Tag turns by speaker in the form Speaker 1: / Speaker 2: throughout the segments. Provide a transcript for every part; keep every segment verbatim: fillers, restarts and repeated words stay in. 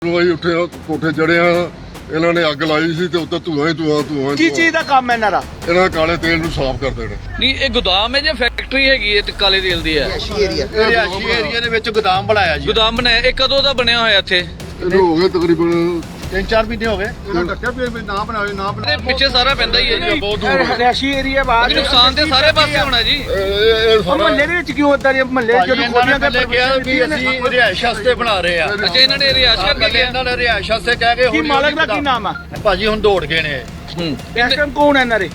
Speaker 1: ਅਸੀਂ ਉੱਠੇ ਕੋਠੇ ਚੜੇ ਆ, ਇਹਨਾਂ ਨੇ ਅੱਗ ਲਾਈ ਸੀ ਤੇ ਉੱਤੇ ਧੂਆਂ ਹੀ ਧੂਆਂ ਧੂਆਂ
Speaker 2: ਕੀ ਚੀਜ਼ ਦਾ ਕੰਮ ਹੈ ਇਹਨਾਂ ਦਾ?
Speaker 1: ਇਹਨਾਂ ਕਾਲੇ ਤੇਲ ਨੂੰ ਸਾਫ਼ ਕਰ ਦੇਣਾ।
Speaker 3: ਨਹੀਂ ਇਹ ਗੋਦਾਮ ਹੈ ਜਾਂ ਫੈਕਟਰੀ ਹੈਗੀ ਹੈ ਤੇ ਕਾਲੇ ਤੇਲ ਦੀ ਹੈ?
Speaker 2: ਰਿਹਾਇਸ਼ੀ ਏਰੀਆ ਦੇ ਵਿੱਚ ਗੋਦਾਮ ਬਣਾਇਆ ਜੀ।
Speaker 3: ਗੋਦਾਮ ਬਣਾਇਆ ਇਹ ਕਦੋਂ ਦਾ ਬਣਿਆ ਹੋਇਆ ਇੱਥੇ?
Speaker 1: ਇਹਨੂੰ ਹੋ ਗਏ ਤਕਰੀਬਨ
Speaker 2: ਤਿੰਨ ਚਾਰ ਮਹੀਨੇ ਹੋ ਗਏ। ਇਹਨਾਂ ਡੱਕਿਆ ਵੀ ਨਾ ਬਣਾਵੇ ਨਾ
Speaker 3: ਤੇ ਪਿੱਛੇ ਸਾਰਾ ਪੈਂਦਾ ਹੀ ਹੈ ਜੀ, ਬਹੁਤ ਦੂਰ।
Speaker 2: ਰਿਹਾਇਸ਼ੀ ਏਰੀਆ ਬਾਅਦ
Speaker 3: ਨੁਕਸਾਨ ਤੇ ਸਾਰੇ ਪਾਸੇ ਹੋਣਾ ਜੀ।
Speaker 2: ਮਹੱਲੇ ਦੇ ਵਿੱਚ ਕਿਉਂ ਇਦਾਂ ਮਹੱਲੇ ਜਦੋਂ ਖੋਲੀਆਂ ਤੇ
Speaker 4: ਕਿਹਾ ਵੀ ਅਸੀਂ ਰਿਹਾਇਸ਼ ਵਾਸਤੇ ਬਣਾ ਰਹੇ ਆ।
Speaker 3: ਅੱਛਾ ਇਹਨਾਂ ਨੇ ਰਿਹਾਇਸ਼ ਕਰਕੇ
Speaker 4: ਪਹਿਲੇ
Speaker 3: ਲਿਆ।
Speaker 4: ਇਹਨਾਂ ਨੇ ਰਿਹਾਇਸ਼ ਵਾਸਤੇ ਕਹਿ ਕੇ
Speaker 2: ਕੀ ਮਾਲਕ ਦਾ ਕੀ ਨਾਮ ਆ?
Speaker 4: ਭਾਜੀ ਹੁਣ ਦੌੜ ਗਏ ਨੇ।
Speaker 3: ਹੂੰ
Speaker 2: ਇਸ ਟਾਈਮ ਕੌਣ ਹੈ ਇਹਨਾਂ ਦੇ?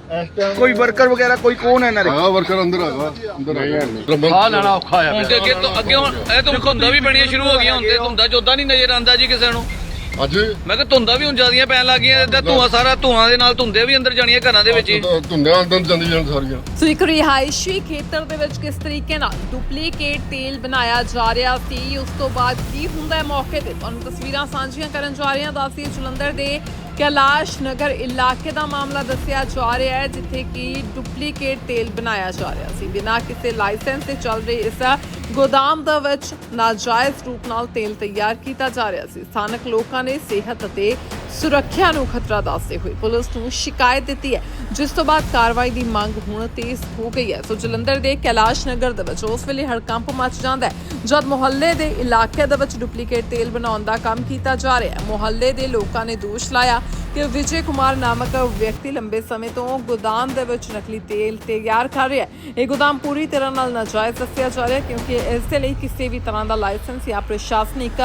Speaker 2: ਕੋਈ ਵਰਕਰ ਵਗੈਰਾ ਕੋਈ ਕੌਣ ਹੈ ਇਹਨਾਂ ਦੇ?
Speaker 1: ਆ ਵਰਕਰ ਅੰਦਰ ਹੈਗਾ, ਅੰਦਰ ਹੈਗਾ।
Speaker 4: ਆ ਲੈਣਾ ਔਖਾ ਆ
Speaker 3: ਹੁਣ ਤੇ ਅੱਗੇ ਤੋਂ ਅੱਗੇ ਹੁਣ ਇਹ ਤਾਂ ਧੁੰਦਾਂ ਵੀ ਬਣੀਆਂ ਸ਼ੁਰੂ ਹੋ ਗਈਆਂ। ਹੁਣ ਤੇ ਧੁੰਦਾਂ ਚੋਦਾ ਨਹੀਂ ਨਜ਼ਰ ਆਉਂਦਾ ਜੀ ਕਿਸੇ ਨੂੰ।
Speaker 1: ਅੱਜ
Speaker 3: ਮੈਂ ਕਿਹਾ ਧੁੰਦਾਂ ਵੀ ਹੁਣ ਜ਼ਿਆਦੀਆਂ ਪੈਣ ਲੱਗ ਗਈਆਂ ਤੇ ਧੂਆਂ ਸਾਰਾ ਧੂਆਂ ਦੇ ਨਾਲ ਧੁੰਦੇ ਵੀ ਅੰਦਰ ਜਾਣੀਆਂ ਘਰਾਂ ਦੇ ਵਿੱਚ ਹੀ।
Speaker 1: ਧੁੰਦਿਆਂ ਅੰਦਰ ਜਾਂਦੀ ਜਾਣ ਸਾਰੀਆਂ।
Speaker 5: ਸੋ ਇੱਕ ਰਿਹਾਇਸ਼ੀ ਖੇਤਰ ਦੇ ਵਿੱਚ ਕਿਸ ਤਰੀਕੇ ਨਾਲ ਡੁਪਲੀਕੇਟ ਤੇਲ ਬਣਾਇਆ ਜਾ ਰਿਹਾ ਸੀ, ਉਸ ਤੋਂ ਬਾਅਦ ਕੀ ਹੁੰਦਾ ਹੈ ਮੌਕੇ ਤੇ ਤੁਹਾਨੂੰ ਤਸਵੀਰਾਂ ਸਾਂਝੀਆਂ ਕਰਨ ਜਾ ਰਹੇ ਹਾਂ। ਦੱਸਦੀ ਜਲੰਧਰ ਦੇ ਕੈਲਾਸ਼ ਨਗਰ ਇਲਾਕੇ ਦਾ ਮਾਮਲਾ ਦੱਸਿਆ ਜਾ ਰਿਹਾ ਹੈ, ਜਿੱਥੇ ਕਿ ਡੁਪਲੀਕੇਟ ਤੇਲ ਬਣਾਇਆ ਜਾ ਰਿਹਾ ਸੀ। ਬਿਨਾਂ ਕਿਸੇ ਲਾਇਸੈਂਸ ਤੇ ਚੱਲ ਰਹੀ ਇਸ ਗੋਦਾਮ ਦੇ ਵਿੱਚ ਨਾਜਾਇਜ਼ ਰੂਪ ਨਾਲ ਤੇਲ ਤਿਆਰ ਕੀਤਾ ਜਾ ਰਿਹਾ ਸੀ। ਸਥਾਨਕ ਲੋਕਾਂ ਨੇ ਸਿਹਤ ਅਤੇ ਸੁਰੱਖਿਆ ਨੂੰ ਖਤਰਾ ਦੱਸਦੇ ਹੋਏ ਪੁਲਿਸ ਨੂੰ ਸ਼ਿਕਾਇਤ ਦਿੱਤੀ ਹੈ, ਜਿਸ ਤੋਂ ਬਾਅਦ ਕਾਰਵਾਈ ਦੀ ਮੰਗ ਹੁਣ ਤੇਜ਼ ਹੋ ਗਈ ਹੈ। ਸੋ ਜਲੰਧਰ ਦੇ ਕੈਲਾਸ਼ ਨਗਰ ਦੇ ਵਿੱਚ ਉਸ ਵੇਲੇ ਹੜਕੰਪ ਮਚ ਜਾਂਦਾ ਹੈ ਜਦ ਮੁਹੱਲੇ ਦੇ ਇਲਾਕੇ ਦੇ ਵਿੱਚ ਡੁਪਲੀਕੇਟ ਤੇਲ ਬਣਾਉਣ ਦਾ ਕੰਮ ਕੀਤਾ ਜਾ ਰਿਹਾ ਹੈ। ਮੁਹੱਲੇ ਦੇ ਲੋਕਾਂ ਨੇ ਦੋਸ਼ ਲਾਇਆ ਕਿ ਵਿਜੇ ਕੁਮਾਰ ਨਾਮਕ ਵਿਅਕਤੀ ਲੰਬੇ ਸਮੇਂ ਤੋਂ ਗੋਦਾਮ ਦੇ ਵਿੱਚ ਨਕਲੀ ਤੇਲ ਤਿਆਰ ਕਰ ਰਿਹਾ ਹੈ। ਇਹ ਗੋਦਾਮ ਪੂਰੀ ਤਰ੍ਹਾਂ ਨਾਲ ਨਾਜਾਇਜ਼ ਦੱਸਿਆ ਜਾ ਰਿਹਾ ਹੈ, ਕਿਉਂਕਿ ਇਸ ਦੇ ਲਈ ਕਿਸੇ ਵੀ ਤਰ੍ਹਾਂ ਦਾ ਲਾਇਸੈਂਸ ਜਾਂ ਪ੍ਰਸ਼ਾਸਨਿਕ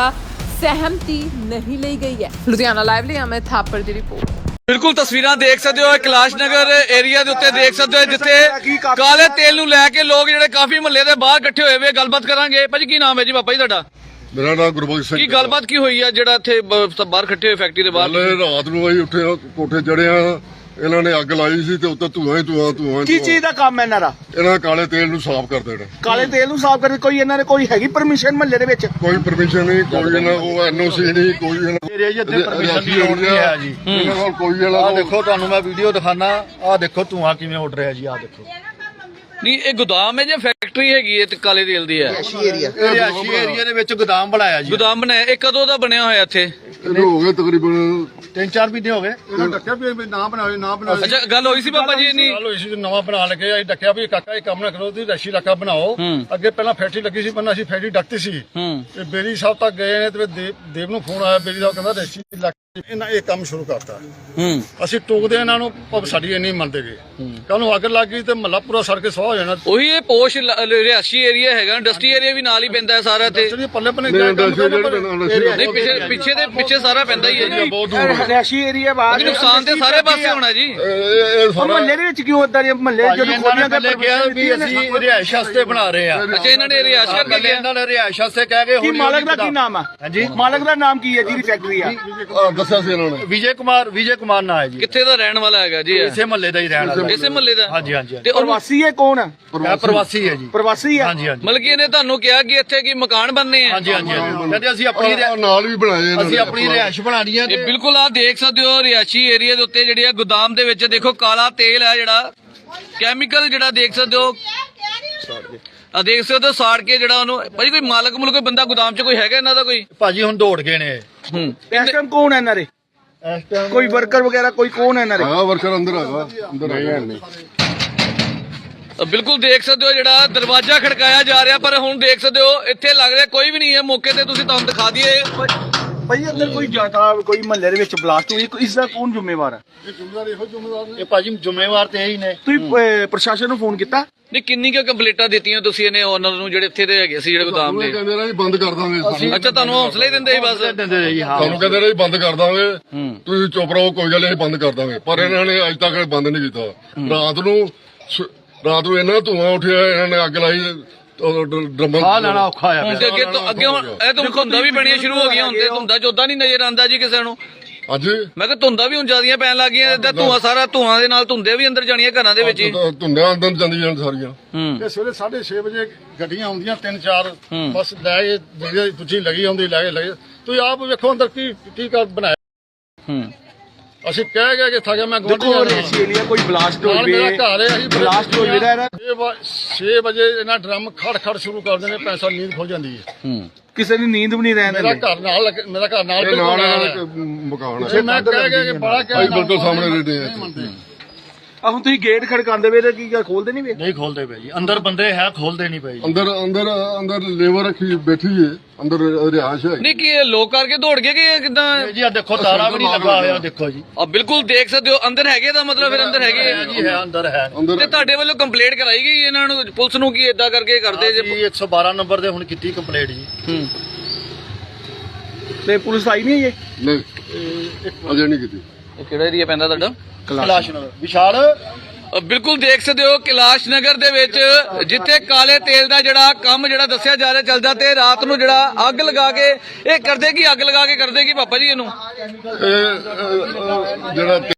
Speaker 5: ਸਹਿਮਤੀ ਨਹੀਂ ਲਈ ਗਈ ਹੈ। ਲੁਧਿਆਣਾ ਲਾਈਵ ਲਈ ਅਮਿਤ ਥਾਪਰ ਦੀ ਰਿਪੋਰਟ।
Speaker 3: ਬਿਲਕੁਲ ਤਸਵੀਰਾਂ ਦੇਖ ਸਕਦੇ ਹੋ ਕੈਲਾਸ਼ ਨਗਰ ਏਰੀਆ ਦੇ ਉੱਤੇ ਦੇਖ ਸਕਦੇ ਹੋ, ਜਿੱਥੇ ਕਾਲੇ ਤੇਲ ਨੂੰ ਲੈ ਕੇ ਲੋਕ ਜਿਹੜੇ ਕਾਫੀ ਮਹੱਲੇ ਦੇ ਬਾਹਰ ਇਕੱਠੇ ਹੋਏ ਹੋਏ। ਗੱਲਬਾਤ ਕਰਾਂਗੇ। ਭਾਜੀ ਕੀ ਨਾਮ ਹੈ ਜੀ ਪਾਪਾ ਜੀ ਤੁਹਾਡਾ?
Speaker 1: ਮੇਰਾ ਨਾਮ ਗੁਰਬਖਸ਼ ਸਿੰਘ।
Speaker 3: ਕੀ ਗੱਲਬਾਤ ਕੀ ਹੋਈ ਹੈ ਜਿਹੜਾ ਇੱਥੇ ਬ- ਬਾਹਰ ਇਕੱਠੇ ਹੋਏ ਫੈਕਟਰੀ ਦੇ ਬਾਹਰ?
Speaker 1: ਕੱਲ ਰਾਤ ਨੂੰ ਅਸੀਂ ਉੱਠੇ ਕੋਠੇ ਚੜੇ ਆ, ਇਹਨਾਂ ਨੇ ਅੱਗ ਲਾਈ ਸੀ ਤੇ ਉੱਤੇ ਧੂਆਂ ਹੀ ਧੂਆਂ ਧੂਆਂ
Speaker 2: ਕੀ ਚੀਜ਼ ਦਾ ਕੰਮ ਹੈ ਇਹਨਾਂ ਦਾ?
Speaker 1: ਇਹਨਾਂ ਕਾਲੇ ਤੇਲ ਨੂੰ ਸਾਫ਼ ਕਰ ਦੇਣਾ।
Speaker 2: ਕਾਲੇ ਤੇਲ ਨੂੰ ਸਾਫ਼ ਕਰਨ ਕੋਈ ਇਹਨਾਂ ਨੇ ਕੋਈ ਹੈਗੀ ਪਰਮਿਸ਼ਨ ਮਹੱਲੇ ਦੇ ਵਿੱਚ?
Speaker 1: ਕੋਈ ਪਰਮਿਸ਼ਨ ਨਹੀਂ, ਕੋਈ ਇਹਨਾਂ ਉਹ ਐਨਓਸੀ ਨਹੀਂ, ਕੋਈ ਇਹਨਾਂ
Speaker 4: ਏਰੀਆ ਜੀ ਇੱਥੇ ਪਰਮਿਸ਼ਨ ਦੀ ਲੋੜ ਨਹੀਂ ਹੈ ਜੀ।
Speaker 1: ਇਹਨਾਂ ਕੋਲ ਕੋਈ
Speaker 4: ਆ
Speaker 1: ਇਹਨਾਂ
Speaker 4: ਦੇਖੋ ਤੁਹਾਨੂੰ ਮੈਂ ਵੀਡੀਓ ਦਿਖਾਣਾ। ਆ ਦੇਖੋ ਧੂਆਂ ਕਿਵੇਂ ਉੱਡ ਰਿਹਾ ਜੀ। ਆ ਦੇਖੋ
Speaker 3: ਨਹੀਂ ਇਹ ਗੋਦਾਮ ਹੈ ਜਾਂ ਫੈਕਟਰੀ ਹੈਗੀ ਹੈ ਤੇ ਕਾਲੇ ਤੇਲ ਦੀ ਹੈ?
Speaker 4: ਰਿਹਾਇਸ਼ੀ ਏਰੀਆ ਦੇ ਵਿੱਚ ਗੋਦਾਮ ਬਣਾਇਆ ਜੀ।
Speaker 3: ਗੋਦਾਮ ਬਣਾਇਆ ਇਹ ਕਦੋਂ ਦਾ ਬਣਿਆ ਹੋਇਆ ਇੱਥੇ?
Speaker 1: ਇਹਨੂੰ ਹੋ ਗਏ ਤਕਰੀਬਨ
Speaker 4: ਤਿੰਨ ਚਾਰ ਮਹੀਨੇ ਹੋ ਗਏ।
Speaker 2: ਇਹਨਾਂ ਡੱਕਿਆ ਵੀ ਨਾ ਬਣਾਵੇ ਨਾ ਬਣਾਵੇ।
Speaker 3: ਅੱਛਾ ਗੱਲ ਹੋਈ ਸੀ ਪਾਪਾ ਜੀ ਇੰਨੀ?
Speaker 4: ਗੱਲ ਹੋਈ ਸੀ ਨਵਾਂ ਬਣਾ ਲਗੇ। ਅਸੀਂ ਡੱਕਿਆ ਵੀ ਕਾਕਾ ਇਹ ਕੰਮ ਨਾ ਕਰੋ, ਤੁਸੀਂ ਰਸ਼ੀ ਇਲਾਕਾ ਬਣਾਓ। ਅੱਗੇ ਪਹਿਲਾਂ ਫੈਕਟਰੀ ਲੱਗੀ ਸੀ, ਪਹਿਲਾਂ ਅਸੀਂ ਫੈਕਟਰੀ ਡੱਕਤੀ ਸੀ।
Speaker 3: ਹੂੰ
Speaker 4: ਤੇ ਬੇਰੀ ਸਾਹਿਬ ਤੱਕ ਗਏ ਨੇ ਤੇ ਦੇਵ ਦੇਵ ਨੂੰ ਫੋਨ ਆਇਆ। ਬੇਰੀ ਸਾਹਿਬ ਕਹਿੰਦਾ ਰਸ਼ੀ ਇਲਾਕਾ ਇਹਨਾਂ ਇਹ ਕੰਮ ਸ਼ੁਰੂ ਕਰਤਾ।
Speaker 3: ਹੂੰ
Speaker 4: ਅਸੀਂ ਟੋਕਦੇ ਇਹਨਾਂ ਨੂੰ, ਪਰ ਸਾਡੀ ਇੰਨੀ ਮੰਨਦੇ ਗਏ। ਕੱਲ ਨੂੰ ਅੱਗ ਲੱਗ ਗਈ ਤੇ ਮਹੱਲਾ ਪੂਰਾ ਸੜ ਕੇ ਸਵਾਹ ਹੋ ਜਾਣਾ।
Speaker 3: ਉਹੀ ਇਹ ਪੋਸ਼ ਲ- ਰਿਹਾਇਸ਼ੀ ਏਰੀਆ ਹੈਗਾ, ਇੰਡਸਟਰੀ ਏਰੀਆ ਵੀ ਨਾਲ ਹੀ ਪੈਂਦਾ ਹੈ ਸਾਰਾ ਤੇ।
Speaker 4: ਚਲਿਏ ਪੱਲੇ ਪੱਲੇ
Speaker 1: ਨਹੀਂ,
Speaker 4: ਜਾ ਕੰਮ
Speaker 1: industry ਜਿਹੜੇ
Speaker 4: ਕਰਨਾ।
Speaker 1: ਨਾਲ industry
Speaker 3: ਨਹੀਂ ਪਿੱਛੇ ਪਿੱਛੇ ਦੇ ਪਿੱਛੇ ਸਾਰਾ ਪੈਂਦਾ ਹੀ ਹੈ ਜੀ, ਬਹੁਤ ਦੂਰ।
Speaker 2: ਰਿਹਾਇਸ਼ੀ ਏਰੀਆ ਬਾਅਦ
Speaker 3: ਨੁਕਸਾਨ ਤੇ ਸਾਰੇ ਪਾਸੇ ਹੋਣਾ ਜੀ।
Speaker 1: ਇਹ ਇਹ ਸਾਰਾ
Speaker 2: ਮਹੱਲੇ ਦੇ ਵਿੱਚ ਕਿਉਂ ਇਦਾਂ ਮਹੱਲੇ
Speaker 4: ਭਾਜੀ
Speaker 2: ਜਦੋਂ
Speaker 4: ਇਹਨਾਂ
Speaker 2: ਖੋਲੀਆਂ
Speaker 4: ਨੇ ਪਹਿਲੇ ਕਿਹਾ ਵੀ ਅਸੀਂ ਰਿਹਾਇਸ਼ ਵਾਸਤੇ ਬਣਾ ਰਹੇ ਆ।
Speaker 3: ਅੱਛਾ ਇਹਨਾਂ ਨੇ ਰਿਹਾਇਸ਼ ਕਰਕੇ
Speaker 4: ਪਹਿਲੇ
Speaker 3: ਲਿਆ।
Speaker 4: ਇਹਨਾਂ ਨੇ ਰਿਹਾਇਸ਼ ਵਾਸਤੇ ਕਹਿ ਕੇ
Speaker 2: ਕੀ ਮਾਲਕ ਦਾ ਕੀ ਨਾਮ ਆ?
Speaker 4: ਹਾਂਜੀ
Speaker 2: ਮਾਲਕ ਦਾ ਨਾਮ ਕੀ ਹੈ ਜਿਹਦੀ ਫੈਕਟਰੀ ਆ?
Speaker 1: ਆਹ ਦੱਸਿਆ ਸੀ ਇਹਨਾਂ ਨੇ।
Speaker 4: ਵਿਜੇ ਕੁਮਾਰ ਵਿਜੇ ਕੁਮਾਰ ਨਾਂ ਹੈ ਜੀ।
Speaker 3: ਕਿੱਥੇ ਦਾ ਰਹਿਣ ਵਾਲਾ ਹੈਗਾ ਜੀ ਇਹ?
Speaker 4: ਇਸੇ ਮਹੱਲੇ ਦਾ ਹੀ ਰਹਿਣ ਵਾਲਾ।
Speaker 3: ਇਸੇ ਮਹੱਲੇ ਦਾ?
Speaker 4: ਹਾਂਜੀ ਹਾਂਜੀ
Speaker 3: ਤੇ ਉਹ
Speaker 2: ਪ੍ਰਵਾਸੀ ਹੈ ਕੌਣ?
Speaker 4: ਇਹ ਪ੍ਰਵਾਸੀ ਹੈ ਜੀ।
Speaker 2: ਪ੍ਰਵਾਸੀ ਹੈ।
Speaker 4: ਹਾਂਜੀ ਹਾਂਜੀ
Speaker 3: ਮਤਲਬ ਕਿ ਇਹਨੇ ਤੁਹਾਨੂੰ ਕਿਹਾ ਕਿ ਇੱਥੇ ਕੀ ਮਕਾਨ ਬਣਨੇ ਆ?
Speaker 4: ਹਾਂਜੀ ਹਾਂਜੀ ਹਾਂਜੀ। ਕਹਿੰਦੇ ਅਸੀਂ ਆਪਣੀ
Speaker 1: ਆਹ ਨਾਲ ਵੀ ਬਣਾਏ ਇਹਨਾਂ
Speaker 4: ਅਸੀਂ
Speaker 1: ਨੇ।
Speaker 4: ਆਪਣੀ ਰਿਹਾਇਸ਼ ਬਣਾਣੀ ਹੈ।
Speaker 3: ਇਹ ਬਿਲਕੁਲ ਆ ਦੇਖ ਸਕਦੇ ਹੋ ਰਿਹਾਇਸ਼ੀ ਏਰੀਆ ਦੇ ਉੱਤੇ ਜਿਹੜੀ ਆ ਗੋਦਾਮ ਦੇ ਵਿੱਚ ਦੇਖੋ ਕਾਲਾ ਤੇਲ ਹੈ, ਜਿਹੜਾ ਕੈਮੀਕਲ ਜਿਹੜਾ ਦੇਖ ਸਕਦੇ ਹੋ। ਆ ਦੇਖ ਸਕਦੇ ਹੋ ਸਾੜ ਕੇ ਜਿਹੜਾ ਉਹਨੂੰ। ਭਾਜੀ ਕੋਈ ਮਾਲਕ ਮੁਲਕ ਕੋਈ ਬੰਦਾ ਗੋਦਾਮ 'ਚ ਕੋਈ ਹੈਗਾ ਇਹਨਾਂ ਦਾ ਕੋਈ?
Speaker 4: ਭਾਜੀ ਹੁਣ ਦੌੜ ਗਏ ਨੇ।
Speaker 3: ਹੂੰ
Speaker 2: ਇਸ ਟਾਈਮ ਕੌਣ ਹੈ ਇਹਨਾਂ ਦੇ?
Speaker 4: ਇਸ ਟਾਈਮ
Speaker 2: ਕੋਈ ਵਰਕਰ ਵਗੈਰਾ ਕੋਈ ਕੌਣ ਹੈ ਇਹਨਾਂ ਦੇ?
Speaker 1: ਆ ਵਰਕਰ ਅੰਦਰ ਹੈਗਾ, ਅੰਦਰ ਹੈਗਾ।
Speaker 3: ਬਿਲਕੁਲ ਦੇਖ ਸਕਦੇ ਹੋ ਜਿਹੜਾ ਦਰਵਾਜ਼ਾ ਖੜਕਾਇਆ ਜਾ ਰਿਹਾ, ਪਰ ਹੁਣ ਦੇਖ ਸਕਦੇ ਹੋ ਇੱਥੇ ਲੱਗ ਰਿਹਾ ਕੋਈ ਵੀ ਨਹੀਂ ਹੈ ਮੌਕੇ ਤੇ। ਤੁਸੀਂ ਤੁਹਾਨੂੰ ਦਿਖਾ ਦਈਏ
Speaker 2: ਭਾਈ ਅੰਦਰ ਕੋਈ ਜਾਤਾ ਕੋਈ ਮਹੱਲੇ ਦੇ ਵਿੱਚ ਬਲਾਸਟ ਹੋਈ, ਇਸ ਦਾ ਕੌਣ ਜ਼ਿੰਮੇਵਾਰ ਹੈ?
Speaker 4: ਇਹ ਭਾਜੀ ਜ਼ਿੰਮੇਵਾਰ ਤੇ ਇਹੀ ਨੇ।
Speaker 2: ਤੁਸੀਂ ਅਹ, ਪ੍ਰਸ਼ਾਸਨ ਨੂੰ ਫੋਨ ਕੀਤਾ?
Speaker 3: ਨਹੀਂ ਕਿੰਨੀ ਕੁ ਕੰਪਲੀਟਾਂ ਦਿੱਤੀਆਂ ਤੁਸੀਂ ਇਹਨੇ ਓਨਰ ਨੂੰ ਜਿਹੜੇ ਇੱਥੇ ਦੇ ਹੈਗੇ ਸੀ ਜਿਹੜੇ ਗੋਦਾਮ ਦੇ?
Speaker 1: ਕਹਿੰਦੇ ਰਹੇ ਬੰਦ ਕਰ ਦਾਂਗੇ ਸਾਨੂੰ।
Speaker 3: ਅੱਛਾ ਤੁਹਾਨੂੰ ਹੌਸਲਾ ਹੀ ਦਿੰਦੇ ਸੀ ਬਸ?
Speaker 4: ਦਿੰਦੇ ਰਹੇ ਜੀ। ਹਾਂ
Speaker 1: ਸਾਨੂੰ ਕਹਿੰਦੇ ਰਹੇ ਬੰਦ ਕਰ ਦਾਂਗੇ, ਤੁਸੀਂ ਚੁੱਪ ਰਹੋ, ਕੋਈ ਗੱਲ ਨਹੀਂ ਬੰਦ ਕਰ ਦਾਂਗੇ। ਪਰ ਇਹਨਾਂ ਨੇ ਅੱਜ ਤੱਕ ਬੰਦ ਨਹੀਂ ਕੀਤਾ। ਰਾਤ ਨੂੰ ਸ- ਰਾਤ ਨੂੰ ਇਹਨਾਂ ਧੂਆਂ ਉੱਠਿਆ, ਇਹਨਾਂ ਨੇ ਅੱਗ ਲਾਈ ਡਰਮ।
Speaker 4: ਆ ਲੈਣਾ ਔਖਾ ਆ
Speaker 3: ਹੁਣ ਤੇ ਅੱਗੇ ਤੋਂ ਅੱਗੇ ਹੁਣ ਇਹ ਤਾਂ ਧੁੰਦਾਂ ਵੀ ਬਣੀਆਂ ਸ਼ੁਰੂ ਹੋ ਗਈਆਂ। ਹੁਣ ਤੇ ਧੁੰਦਾਂ ਚੋਦਾ ਨਹੀਂ ਨਜ਼ਰ ਆਉਂਦਾ ਜੀ ਕਿਸੇ ਨੂੰ।
Speaker 1: ਅੱਜ
Speaker 3: ਮੈਂ ਕਿਹਾ ਧੁੰਦਾਂ ਵੀ ਹੁਣ ਜ਼ਿਆਦੀਆਂ ਪੈਣ ਲੱਗ ਗਈਆਂ ਤੇ ਧੂਆਂ ਸਾਰਾ ਧੂਆਂ ਦੇ ਨਾਲ ਧੁੰਦੇ ਵੀ ਅੰਦਰ ਜਾਣੀਆਂ ਘਰਾਂ ਦੇ ਵਿੱਚ ਹੀ।
Speaker 1: ਧੁੰਦਿਆਂ ਅੰਦਰ ਜਾਂਦੀ ਜਾਣ ਸਾਰੀਆਂ।
Speaker 3: ਹੂੰ
Speaker 4: ਇਹ ਸਵੇਰੇ ਸਾਢੇ ਛੇ ਵਜੇ ਗੱਡੀਆਂ ਆਉਂਦੀਆਂ ਤਿੰਨ ਚਾਰ, ਬਸ ਲੈ ਕੇ ਜਿਹੜੀ ਦੂਜੀ ਲੱਗੀ ਆਉਂਦੀ ਲੈ ਕੇ ਲੈ ਕੇ। ਤੁਸੀਂ ਆਪ ਵੇਖੋ ਅੰਦਰ ਕੀ ਕੀ ਕਰ ਬਣਾਇਆ।
Speaker 3: ਹੂੰ
Speaker 4: ਅਸੀਂ ਕਹਿ ਗਏ ਕਿ ਥਾਗਾ ਮੈਂ
Speaker 2: ਦੇਖੋ ਰਿਹਾਇਸ਼ੀ ਏਰੀਆ ਕੋਈ ਬਲਾਸਟ
Speaker 4: ਨਾਲ ਮੇਰਾ
Speaker 2: ਹੋਵੇ,
Speaker 4: ਘਰ ਹੈ। ਅਸੀਂ
Speaker 2: ਬਲਾਸਟ ਹੋ ਜਿਹੜਾ
Speaker 4: ਛੇ ਵਜੇ ਇਹਨਾਂ ਡਰਮ ਖੜ ਖੜ ਸ਼ੁਰੂ ਕਰ ਦਿੰਦੇ, ਪੈਸਾ ਨੀਂਦ ਖੁੱਲ ਜਾਂਦੀ ਹੈ।
Speaker 3: ਹੂੰ
Speaker 2: ਕਿਸੇ ਦੀ ਨੀਂਦ ਵੀ ਨਹੀਂ ਰਹਿਣ
Speaker 4: ਮੇਰਾ
Speaker 2: ਦਿੰਦੇ।
Speaker 4: ਘਰ ਨਾਲ ਲੱਗ- ਮੇਰਾ ਘਰ ਨਾਲ
Speaker 1: ਇਹ
Speaker 4: ਬਿਲਕੁਲ
Speaker 1: ਨਾਲ
Speaker 4: ਨਾਲ
Speaker 1: ਇਹਨਾਂ
Speaker 4: ਹੈ।
Speaker 1: ਦਾ ਇੱਕ ਮਕਾਨ
Speaker 4: ਜੇ
Speaker 1: ਹੈ
Speaker 4: ਮੈਂ ਕਹਿ ਗਿਆ ਕਿ ਬੜਾ ਕਹਿ
Speaker 1: ਭਾਈ ਬਿਲਕੁਲ ਸਾਹਮਣੇ ਰਹਿੰਦੇ ਆ
Speaker 2: ਆ ਹੁਣ ਤੁਸੀਂ ਗੇਟ ਖੜਕਾਉਂਦੇ ਵੇ ਤੇ ਕੀ ਗੱਲ ਖੋਲਦੇ ਨਹੀਂ ਵੇ?
Speaker 6: ਨਹੀਂ ਖੋਲਦੇ ਪਏ ਜੀ, ਅੰਦਰ ਬੰਦੇ ਹੈ ਖੋਲਦੇ ਨਹੀਂ ਪਏ ਜੀ।
Speaker 1: ਅੰਦਰ ਅੰਦਰ ਅੰਦਰ ਲੇਬਰ ਰੱਖੀ ਬੈਠੀ ਹੈ ਅੰਦਰ ਰਿਹਾਇਸ਼ ਹੈ
Speaker 3: ਨਹੀਂ ਕੀ ਇਹ ਲੋਕ ਕਰਕੇ ਦੌੜ ਗਏ ਕਿ ਕਿਦਾਂ
Speaker 6: ਇਹ ਜੀ ਆ ਦੇਖੋ ਤਾਰਾ ਵੀ ਨਹੀਂ ਲੱਗਾ ਹੋਇਆ, ਦੇਖੋ ਜੀ
Speaker 3: ਆ ਬਿਲਕੁਲ ਦੇਖ ਸਕਦੇ ਹੋ ਅੰਦਰ ਹੈਗੇ ਦਾ ਮਤਲਬ ਫਿਰ ਅੰਦਰ ਹੈਗੇ
Speaker 6: ਹੈ ਜੀ, ਹੈ ਅੰਦਰ ਹੈ।
Speaker 1: ਅੰਦਰ
Speaker 3: ਤੇ ਤੁਹਾਡੇ ਵੱਲੋਂ ਕੰਪਲੇਂਟ ਕਰਾਈ ਗਈ ਇਹਨਾਂ ਨੂੰ ਪੁਲਿਸ ਨੂੰ ਕੀ ਏਦਾਂ ਕਰਕੇ ਕਰਦੇ ਜੇ
Speaker 6: ਜੀ ਇੱਕ ਸੌ ਬਾਰਾਂ ਨੰਬਰ ਤੇ ਹੁਣ ਕੀਤੀ ਕੰਪਲੇਂਟ ਜੀ।
Speaker 3: ਹੂੰ
Speaker 2: ਤੇ ਪੁਲਿਸ ਆਈ ਨਹੀਂ ਹੈ
Speaker 1: ਨਹੀਂ ਅਜੇ ਨਹੀਂ ਕੀਤੀ
Speaker 3: ਇਹ ਕਿਹੜਾ ਏਰੀਆ ਪੈਂਦਾ ਤੁਹਾਡਾ
Speaker 6: ਕੈਲਾਸ਼ ਨਗਰ ਵਿਸ਼ਾਲ
Speaker 3: ਅ, ਬਿਲਕੁਲ ਦੇਖ ਸਕਦੇ ਹੋ ਕੈਲਾਸ਼ ਨਗਰ ਦੇ ਵਿੱਚ ਜਿੱਥੇ ਕਾਲੇ ਤੇਲ ਦਾ ਜਿਹੜਾ ਕੰਮ ਜਿਹੜਾ ਦੱਸਿਆ ਜਾ ਰਿਹਾ ਚੱਲਦਾ ਤੇ ਰਾਤ ਨੂੰ ਜਿਹੜਾ ਅੱਗ ਲਗਾ ਕੇ ਇਹ ਕਰਦੇ ਕੀ ਅੱਗ ਲਗਾ ਕੇ ਕਰਦੇ ਕੀ ਪਾਪਾ ਜੀ ਇਹਨੂੰ
Speaker 1: ਇਹ ਅ, ਅ, ਜਿਹੜਾ